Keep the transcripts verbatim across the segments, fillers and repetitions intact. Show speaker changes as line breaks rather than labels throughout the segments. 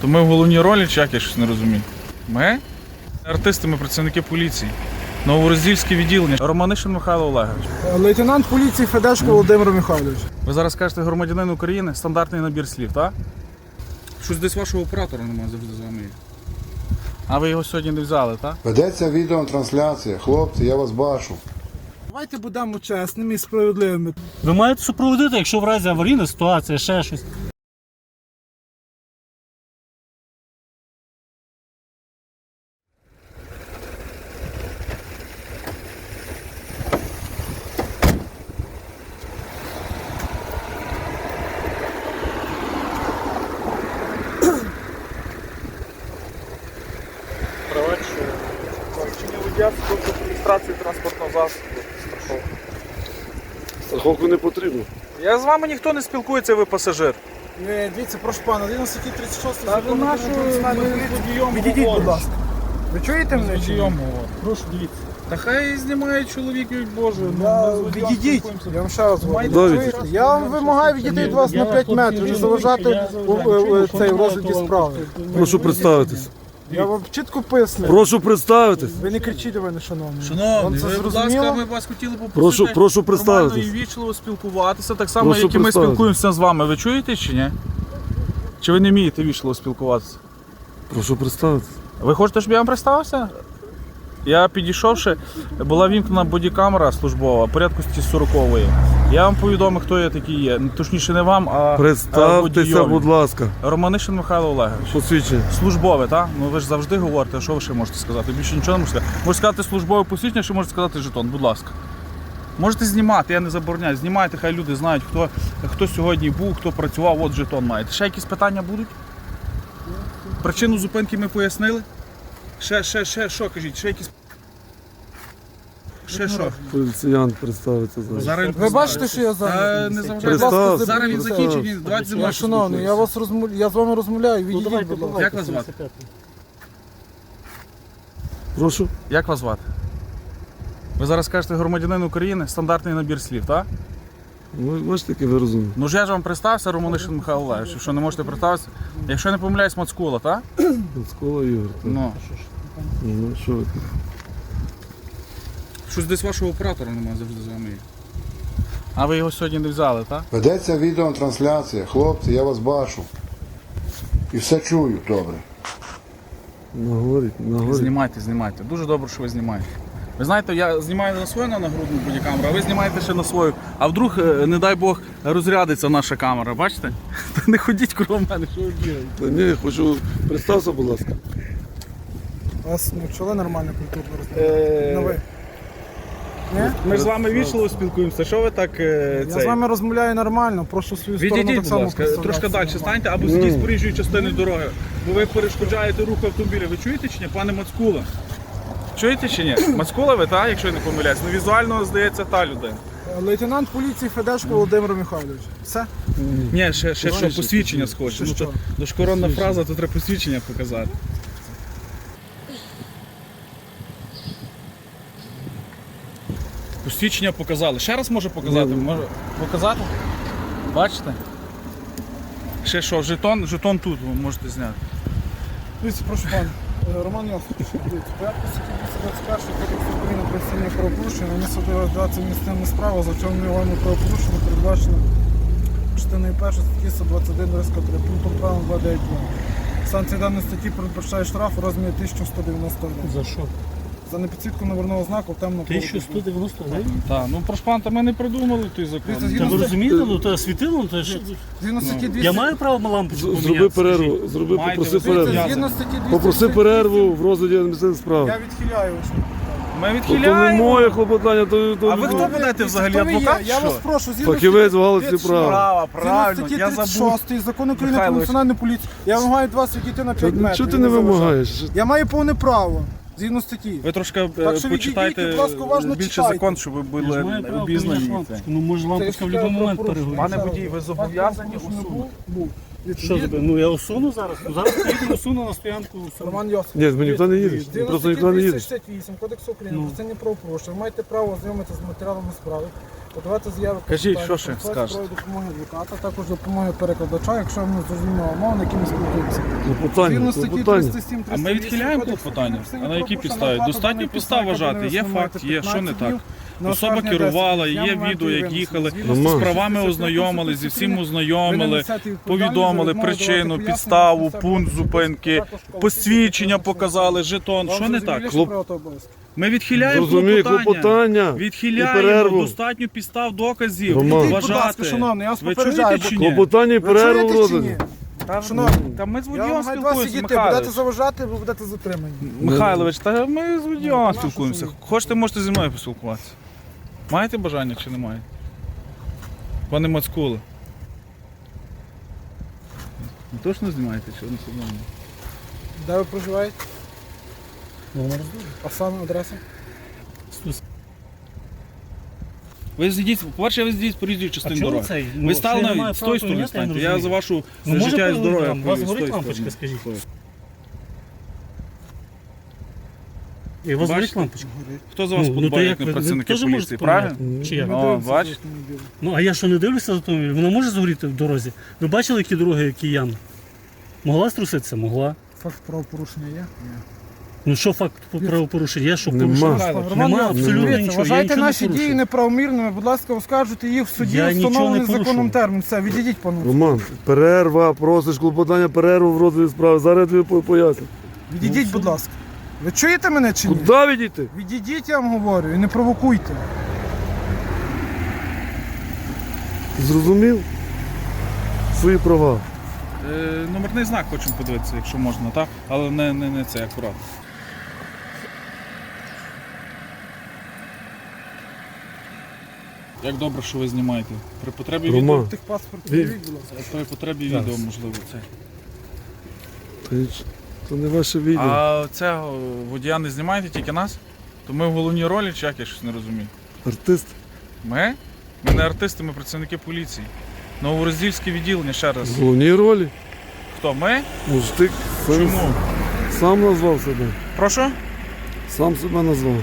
То ми в головній ролі, чи як, я щось не розумію? Ми? Артисти, ми працівники поліції. Новороздільське відділення. Романишин Михайло Олегович.
Лейтенант поліції Федешко Володимир Михайлович.
Ви зараз кажете громадянин України, стандартний набір слів, так? Щось десь вашого оператора немає завжди з вами. А ви його сьогодні не взяли, так?
Ведеться відеотрансляція. Хлопці, я вас бачу.
Давайте будемо чесними і справедливими.
Ви маєте супроводити, якщо в разі аварійна ситуація, ще щось.
Вчення водія з реєстрації транспортного засобу. Страховка.
Страховку не потрібно.
Я з вами ніхто не спілкується, ви пасажир.
Не, дивіться, прошу пана, згідно статті тридцять шість
Та ви
закону
нашу,
про національну
ми з
поліцію.
водієм
Відійдіть, будь
говоримо.
ласка. Ви чуєте мене? чи ні?
Прошу, дивіться.
Та хай знімає чоловік, Боже. Ну,
Я-
ми з водієм
Відійдіть,
спілкуємося.
я вам ще раз говорю.
Маєте
Давид.
Чуєте? Я вам вимагаю відійти від вас на п'ять метрів, не заважати у, у, у, цей, в розгляді справи.
Прошу представитись.
Я вам чітко пояснив.
Прошу представитись.
Ви не кричіть до мене, шановний. Вам
Шановний,
це
ви, будь
зрозуміло?
ласка, ми вас хотіли попросити
Прошу- прошу
нормально
представитись.
і вічливо спілкуватися, так само,
Прошу
як і ми
представитись.
спілкуємося з вами. Ви чуєте чи ні? Чи ви не вмієте вічливо спілкуватися?
Прошу представитись.
Ви хочете, щоб я вам представився? Я підійшовши, була вімкнена бодікамера службова, порядку сорок сорокової. Я вам повідомив, хто я такий є. Точніше, не вам, а
Представтеся,
водійові.
будь ласка.
Романишин Михайло Олегович.
Посвідчення.
Службове, так? Ну ви ж завжди говорите, що ви ще можете сказати? Більше нічого не можете сказати. Можете сказати службове посвідчення, чи можете сказати жетон, будь ласка. Можете знімати, я не забороняю. Знімайте, хай люди знають, хто, хто сьогодні був, хто працював, от жетон маєте. Ще якісь питання будуть? Причину зупинки ми пояснили? Ще, ще, ще, що кажіть, ще якісь... Ще що?
Поліціянт представиться зараз.
Зараз
Ви бачите, що я
Та
зараз?
не заважайте.
Представ.
Зараз він
Представ.
закінчить, він давайте зі мною
Я, шановний, я, вас розмов... я з вами розмовляю,
Ну
відійдіть,
давайте,
будь ласка.
давайте.
Як вас звати?
сімдесят п'ятий.
Прошу.
Як вас звати? Ви зараз кажете громадянин України, стандартний набір слів, так?
Ви бачите, який ви розумні.
Ну ж я ж вам представився, Романишин Михайло Олегович. Що не можете представитися? Якщо я не помиляюсь, Мацкула, так?
Мацкола Ігор. так.
Ну.
Ну, що ви?
Щось десь вашого оператора немає завжди з вами. А ви його сьогодні не взяли, так?
Ведеться відеотрансляція. Хлопці, я вас бачу. І все чую добре.
Наговоріть, наговоріть.
Знімайте, знімайте. Дуже добре, що ви знімаєте. Ви знаєте, я знімаю на свою на нагрудну бодікамеру, а ви знімаєте ще на свою. А вдруг, е, не дай Бог, розрядиться наша камера, бачите? Та не ходіть кругом мене, що ви бігаєте.
Та ні, я хочу. Представся, будь ласка.
Вас навчили нормально культурно розмовляти? Ну ви? Ні?
Ми ж з вами вічливо спілкуємося, що ви так е,
Я
цей?
з вами розмовляю нормально, прошу свою сторону
Відійдіть,
так
будь
само
ласка,
представлятися
трошки далі
нормально.
станьте або зійдіть з проїжджої частини дороги, бо ви перешкоджаєте руху автомобіля. Ви чуєте чи ні, пане Мацкула? Чуєте чи ні? Мацкула ви, так, якщо я не помиляюсь? Ну візуально, здається, та людина.
Лейтенант поліції Федешко Володимир Михайлович. Все?
Ні, ще, ще що,
Ще
посвідчення схоже.
Ще
Ну,
що?
то, то ж коронна фраза, то треба посвідчення показати. Посвідчення показали. Ще раз може показати? Може показати? Бачите? Ще що, жетон, жетон тут ви можете зняти.
Дивіться, прошу пан. Е, Роман Йосипович, дивіться, порядку статті двісті двадцять першої Кодексу України про адміністративні правопорушення, нанесено дати адміністративну справу за вчиненим правопорушення, передбачено частиною першої статті сто двадцять один три пунктом правил два дев'ять два. Санкція даної статті передбачає штраф у розмірі тисяча сто дев'яносто гривень.
За що?
За непідсвітку номерного знаку в темному
тисяча сто дев'яносто гривень?
Так, ну прошу пан, та ми не придумали той закон.
Дивіться,
Та ви розумієте, ну то світило, ну то ж...
Згідно статті двісті...
Я маю право лампочку
З- Зроби
поміняти?
перерву, зроби,
Маєте
попроси
ви
перерву.
зв'язок?
Згідно статті двісті...
Попроси перерву в розгляді адміністративної
Я
справи.
відхиляю вас.
Ми
То не
відхиляємо.
моє клопотання, то, то
А ви хто будете взагалі,
Хто ви є?
адвокат?
Я
що?
вас прошу, згідно
Фахівець в галузі
тридцять
права.
Права,
Згідно
правильно,
статті
я
тридцять
забув.
шостої Закону України про
Михайлович.
національну поліцію. Я вимагаю від вас відійти на п'ять
Та
метрів.
Чого ти не
заважайте.
вимагаєш?
Я маю повне право, згідно статті.
Ви трошки е,
Так що
почитайте
відійдіть, будь ласка, уважно
більше
читайте.
закон, щоб ви
Я ж
були
маю право
обізнані.
поміняти лампочку. Ну може лампочка в
Це я
будь-який момент
прошу.
перегорить.
Пане водій, ви зобов'язані усунути.
Був.
Що тебе? Ну я усуну зараз. Ну зараз поїдемо усуну на стоянку. усуну.
Роман Йосип.
Ні, ми ніхто не їде.
Згідно
Просто
статті
ніхто не їде.
двісті шістдесят вісім Кодексу України
Ну.
про адміністративні правопорушення. Ви маєте право ознайомитися з матеріалами справи. подавати заяви.
Кажіть,
клопотання,
що ще
просити
скажете?
про допомоги адвоката, також допомоги перекладача, якщо ми зрозуміємо мову, на якій ми спілкуємося.
Клопотання,
Згідно статті
клопотання.
триста сім,
А ми відхиляємо клопотання? А на якій підставі? Достатньо підстав вважати. Є факт, є, що не так. Особа керувала, є відео, як їхали, з правами ознайомили, зі всім ознайомили, повідомили причину, підставу, пункт зупинки, посвідчення показали, жетон. Що не так? Ми відхиляємо
Зрозумій,
клопотання.
клопотання і
Відхиляємо,
перерву.
достатньо підстав доказів.
Роман.
Будь ласка,
Вважати.
шановний, я вас
Ви
попереджаю,
чуєте
бо-
чи ні?
Клопотання і
Ви
перерву в
чуєте чи ні?
розгляді.
Та,
Шановний,
та ми з
Я
водієм
вам маю два
спілкуємося,
сидіти, будете
Михайлович.
заважати, ви будете затримані.
Михайлович, та ми з водієм
нашу
спілкуємося.
сумнів.
Хочете, можете зі мною поспілкуватися. Маєте бажання чи немає? Пане Мацкуле. Ви точно знімаєте, чи не знімаєте?
Де ви проживаєте?
Ну,
А саме адреса?
Ви зійдіть, по-перше, ви зійдіть по різній
А
частині
чого
дороги.
цей?
Ви
Ну,
стали
що я не
на
маю
з
права
тої сторони
поміняти, я не
станьте. Я
розумію.
за вашу
Ну, може,
життя і здоров'я.
там, у вас
повів з
горить
тої
лампочка,
сторони.
скажіть. І у вас горить
Бачите?
лампочка?
Хто за вас
Ну, ну, то
подбає,
як
як не
ви- ви
працівники
теж
поліції,
можете
правильно?
поміняти? Чи як?
Ми
О,
дивимося
бач.
з автомобіля.
Ну, а я що не дивлюся за автомобіль? Вона може згоріти в дорозі? Ви бачили, які дороги, які ями? Могла струситися? Могла.
Факт правопорушення є?
Ну що факт правопорушення? Я що
Нема.
порушив?
Михайло,
Роман
Нема
Йосипович,
абсолютно
дивіться,
нічого. Я
Вважайте
нічого не
наші
порушив.
дії неправомірними, будь ласка, оскаржуйте їх в суді,
Я нічого не
встановлений
порушив.
законом термін. Все, відійдіть, пане.
Роман, перерва, просиш клопотання, перерву в розгляді справи. Зараз я тобі по- поясню.
Відійдіть, будь ласка. Ви чуєте мене чи ні?
Куди відійти?
Відійдіть, я вам говорю, і не провокуйте.
Зрозумів? Свої права.
Е, Номерний знак хочемо подивитися, якщо можна, так? Але не, не, не це, акурат. Як добре, що ви знімаєте. При потребі відео,
Роман,
Техпаспорт,
Він-
відійдіть, будь ласка.
при потребі відео, можливо, це.
то ніч- то не ваше відео.
А це о, водія не знімаєте, тільки нас? То ми в головній ролі, чи як я щось не розумію?
Артист.
Ми? Ми не артисти, ми працівники поліції. Новороздільське відділення, ще раз.
В головній ролі.
Хто? Ми?
Ну ж ти сам,
Чому?
сам назвав себе.
Прошу?
Сам себе назвав.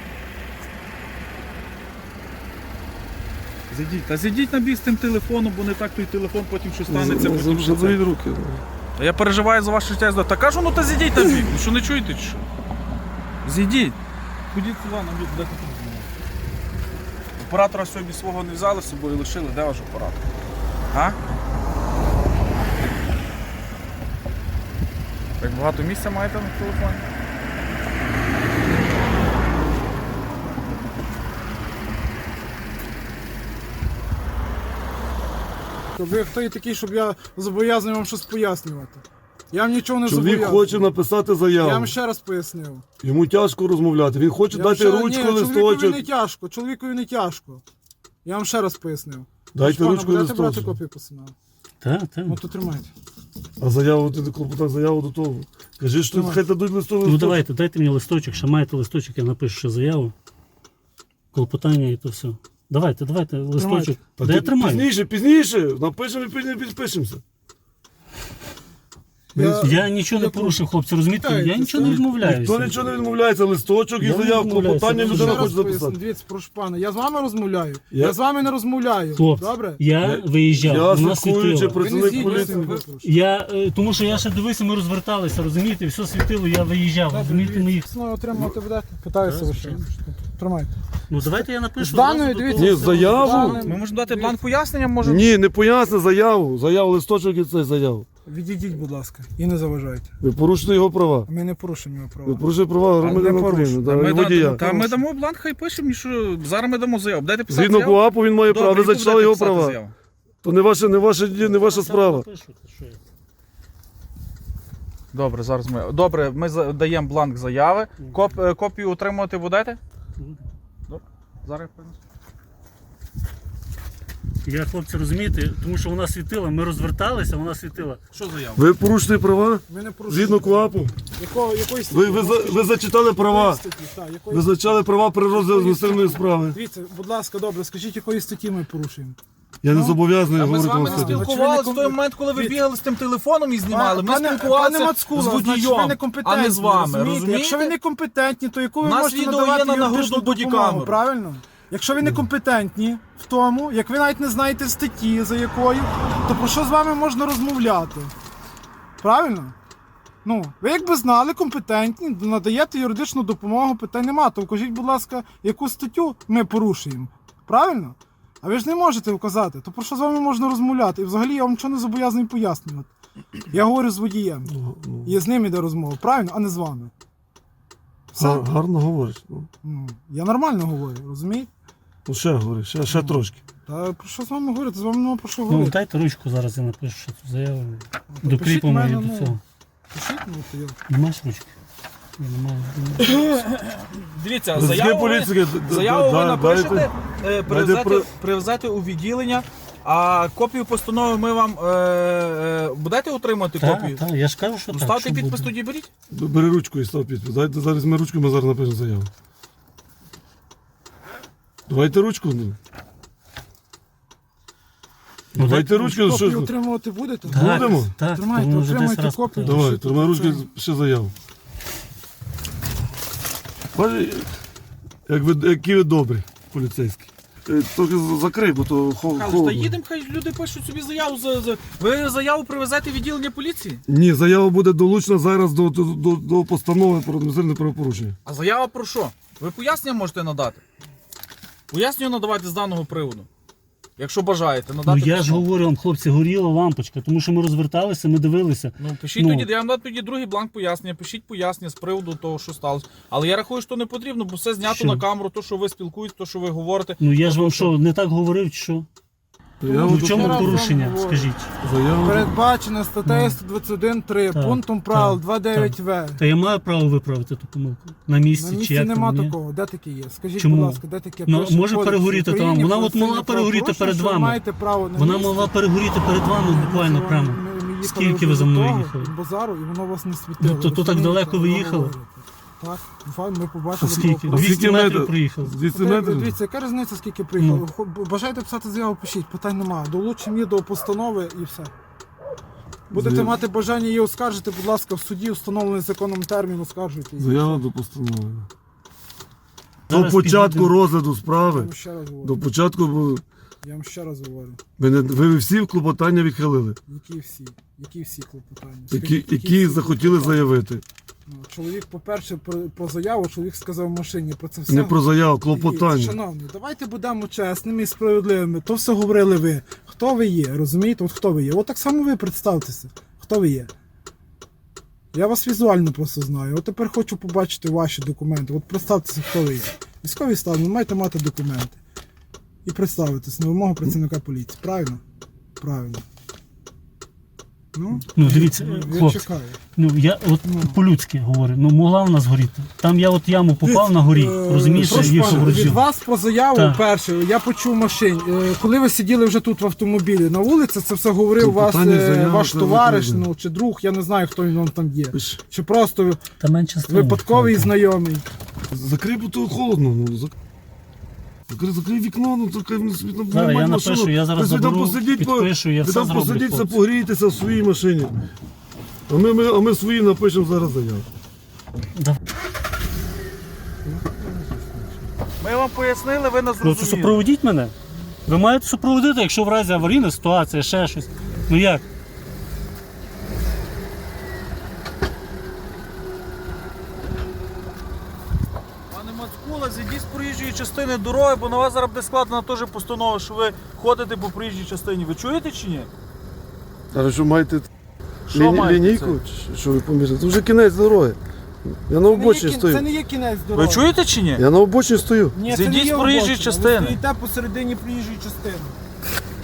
Зайдіть. Та зайдіть на бік з тим телефоном, бо не так той телефон потім що станеться. Потім що це.
Заберіть руки.
Та я переживаю за ваше життя і здоров'я. Та кажу, ну та зійдіть на бік. Ну що не чуєте чи що? Зійдіть. Ходіть сюди на бік, де ти тут знімаєш? Оператора сьогодні свого не взяли з собою, лишили. Де ваш оператор? А? Так багато місця маєте на телефоні?
Ви хто є такий, щоб я зобов'язаний вам щось пояснювати? Я вам нічого не
Чоловік
зобов'язаний.
хоче написати
Я
заяву.
вам ще раз пояснив.
Йому тяжко розмовляти. Він хоче
Я вам
дати
ще-
ручку,
Ні, чоловікові
листочок.
не тяжко, чоловікові не тяжко. Я вам ще раз пояснив.
Дайте
Пане,
ручку,
будете брати
листочок.
копію постанови?
Так, так.
Ну то тримайте.
А заяву ти клопотай заяву до того. Кажи, що
Давай.
хай дадуть листовий
Ну
листочок.
давайте, дайте мені листочок, ще маєте листочок, я напишу ще заяву. Клопотання і то все. Давайте, давайте листочок.
Та
Де
ти
я тримаю?
Пізніше, пізніше. Напишемо і пізніше підпишемося.
Я-
Я нічого не
Я-
порушив, хлопці, розумієте? Я
Питайте,
нічого не
ставте.
відмовляюся.
Ніхто нічого не відмовляється, листочок і
Я не
заяв,
відмовляюся.
клопотання
Ще
людина
Ще
хоче
раз поясню,
записати.
дивіться, прошу пана, я з вами розмовляю.
Я-
Я, з вами не розмовляю.
Хлопці,
Добре?
я виїжджав,
Я
у нас
слідкуючи
світило.
Ви не
працівник
згідні з
поліції.
цим випрошую.
Я, е, тому що я ще дивився, ми розверталися, розумієте, все світило, я виїжджав, розумієте, ми їх.
Знову отримувати будете? Питаюся ви ще. Тримайте.
Ну давайте я напишу.
З даною,
зразу до
дивіться,
того
Ні,
всього.
заяву.
Даним-
Ми можемо дати бланк пояснення, може?
Ні, не поясни заяву. Заяву, листочок і цей заяву.
Відійдіть, будь ласка, і не заважайте.
Ви порушите його права.
Ми не порушимо його
Ви
права.
порушите права
не
громадянина
порушую.
України.
Та
да,
ми,
і
да-
водія.
та ми дамо бланк, хай пишемо, що зараз ми дамо заяву. Дайте писати
Згідно
заяву.
КУАПу він має право. Ви
яку
зачитали
будете
його
писати
права.
заяву?
То не ваше, не ваше, ді- не ваша справа.
Напишу, то що я.
Добре, зараз ми. Добре, ми за- даємо бланк заяви. Коп, е, копію отримувати будете? Добре. Зараз я принесу.
Я, хлопці, розумієте, тому що вона світила, ми розверталися, вона світила.
Що заяву?
Ви порушите права
Ми не порушуємо.
згідно КУАПу.
Якого, якої статті?
Ви, ви, за- ви зачитали права.
Статті, так, якої
Ви зачитали права при розгляді адміністративної справи.
Дивіться, будь ласка, добре, скажіть, якої статті ми порушуємо?
Я не
Ну,
зобов'язаний
А ми з
говорити
вами
вам
не
сьогодні.
спілкувалися
Чи ви
в
не
той
ком-
момент, коли ви
Від-
бігали з тим телефоном і знімали. Ми
Пане-
спілкувалися
пане Мацкула,
з
значить, ви
водієм,
некомпетентні,
а не з вами.
розумієте?
Розумієте?
Якщо ви некомпетентні, то яку ви
У нас
можете
відео
надавати
є на
юридичну
нагрудну
допомогу,
бодікамеру.
правильно? Якщо ви не компетентні в тому, як ви навіть не знаєте статті, за якою, то про що з вами можна розмовляти? Правильно? Ну, ви якби знали, компетентні, надаєте юридичну допомогу, питань нема. То вкажіть, будь ласка, яку статтю ми порушуємо. Правильно? А ви ж не можете вказати. То про що з вами можна розмовляти? І взагалі я вам нічого не зобов'язаний пояснювати. Я говорю з водієм. І з ним іде розмова. Правильно? А не з вами. Все.
Гар- Гарно говориш. Ну,
Ну, я нормально говорю, розумієте?
Ну, ще говори, ще, ще трошки.
Та про що з вами говорити? З вами нема про що
Ну,
говорити.
дайте ручку, зараз я напишу ще цю заяву.
то
Докріпимо
пишіть
її
мене,
до
ну.
цього.
Пишіть, ну, то я...
Не маєш ручки? Ні, немає.
Дивіться,
Працівники
заяву ви,
поліції, д- д-
заяву ви
да-
напишете,
дайте-
е, привезете,
про-
привезете у відділення, а копію постанови ми вам е, е, будете отримати
Так,
копію?
так, я ж кажу, що
Ну,
так.
ставте
що
підпис,
буде.
тоді беріть.
Бери ручку і став підпис. Дайте зараз ми ручку, ми зараз напишемо заяву. Давайте ручку. Ну.
Ну,
Давайте
дайте
ручку.
Копію
Що?
отримувати будете?
Так,
Будемо?
Так,
Тримайте,
тому вже
отримайте
десь раз
копію.
питав.
Давай, тримай ручку, ще заяву. Бачиш, як ви, які ви добрі, поліцейські. Е, Трохи з- закрий, бо то хо-
Кажуть, та
холодно.
їдемо, хай люди пишуть собі заяву. За, за... Ви заяву привезете в відділення поліції?
Ні, заява буде долучена зараз до, до, до, до постанови про адміністративне правопорушення.
А заява про що? Ви пояснення можете надати? Пояснення надавайте з даного приводу. Якщо бажаєте
Ну
надати.
я ж
письмо.
говорю вам, хлопці, горіла лампочка, тому що ми розверталися, ми дивилися.
Ну, пишіть
Ну.
тоді, я вам дам тоді другий бланк пояснення, пишіть пояснення з приводу того, що сталося. Але я рахую, що не потрібно, бо все знято
Що?
на камеру, то, що ви спілкуєтесь, то, що ви говорите.
Ну я ж вам
Тобто,
що, не так говорив, чи що?
Заяву
Ну в
до-
чому
раз
порушення,
вам говорю.
скажіть?
Заяву.
Передбачено статтею сто двадцять один три,
Так,
пунктом правил
так,
два дев'ять В.
Та я маю право виправити ту помилку. На місці,
На
чи
місці
як
нема
там, ні?
такого. Де таке є? Скажіть,
Чому?
будь ласка, де таке
Ну,
пише в
може
Кодексі
перегоріти
України
там. Вона
про
от могла
адміністративне
перегоріти
правопорушення,
перед
що ви
вами.
маєте право на
Вона
місці.
могла перегоріти перед вами буквально
Ми-
прямо.
ми- ми їхали
Скільки ви
вже
за
до
мною
того,
їхали?
Базару, і воно вас не світило.
Ну, то- то так
розумієте?
далеко ви
Воно
їхали?
говорить. Так, файн, ми побачили.
Скільки?
правопорушення.
двісті
Скільки
метрів
метрів?
проїхав.
двісті
Питань-
метрів?
Дивіться, яка різниця, скільки приїхали?
Ну.
Хо- Бажаєте писати заяву, пишіть, питань немає. Долучимо її до постанови і все. Будете
Заяв-
мати бажання її оскаржити, будь ласка, в суді, встановлений законом термін, оскаржуйте її.
Заява до постанови. До
Зараз
початку
підійдемо.
розгляду
Я
справи.
вам ще раз говорю.
До початку бо
Я вам ще раз говорю.
ви, не, ви всі клопотання відхилили,
Які всі? Які всі клопотання?
які,
Скажіть,
які
всі
захотіли
клопотання?
заявити.
Ну, чоловік, по-перше, про, про заяву, чоловік сказав в машині про це все.
Не про заяву,
Дивіться,
клопотання.
Шановні, давайте будемо чесними і справедливими. То все говорили ви. Хто ви є, розумієте? От хто ви є? От так само ви представтеся. Хто ви є? Я вас візуально просто знаю. От тепер хочу побачити ваші документи. От представтеся, хто ви є. Військовий стан, ви маєте мати документи. І представитись на вимогу працівника поліції. Правильно? Правильно. Ну,
Ну дивіться,
я
хлопці,
чекаю.
ну я от
Ну.
по-людськи говорю, ну могла в нас горіти. Там я от яму попав на горі,
Е,
розумієш,
прошу
і
пане, від
вроджу.
вас про заяву
Так.
перше, я почув в машині. Е, Коли ви сиділи вже тут в автомобілі на вулиці, це все говорив вас
Клопотання,
е,
заява,
ваш
це
товариш,
відповідно.
ну чи друг, я не знаю, хто він вам там є.
Пиш.
Чи просто
Та менше стало.
випадковий знайомий.
Закрий, бо то холодно. Ну, зак- закрий, закрий вікно, ну то хай вони собі там
Зараз я
мають
напишу,
машину.
я зараз
Ви собі там
заберу,
посидіть, по-
підпишу, я
ви
все
там
зроблю,
посидіться,
хлопці.
погрійтеся в своїй машині. А ми, ми, а ми свої напишемо зараз заяву.
Да.
Ми вам пояснили, ви нас
Ну, це
зрозуміли.
супроводіть мене. Ви маєте супроводити, якщо в разі аварійна ситуація, ще щось. Ну як?
Пане Мацкула, зійдіть з проїжджої частини дороги, бо на вас зараз буде складена теж постанова, що ви ходите по проїжджій частині. Ви чуєте чи ні?
А що маєте
Що
ліні-
маєте
лінійку?
це?
Чи Що ви поміряли? Це вже кінець дороги. Я на
Це не, є,
обочині
кін-
стою.
це не є кінець дороги.
Ви чуєте чи ні?
Я на обочині стою.
Ні, це не
Зійдіть
є
з проїжджої
обочина.
частини.
Ви стоїте посередині проїжджої частини.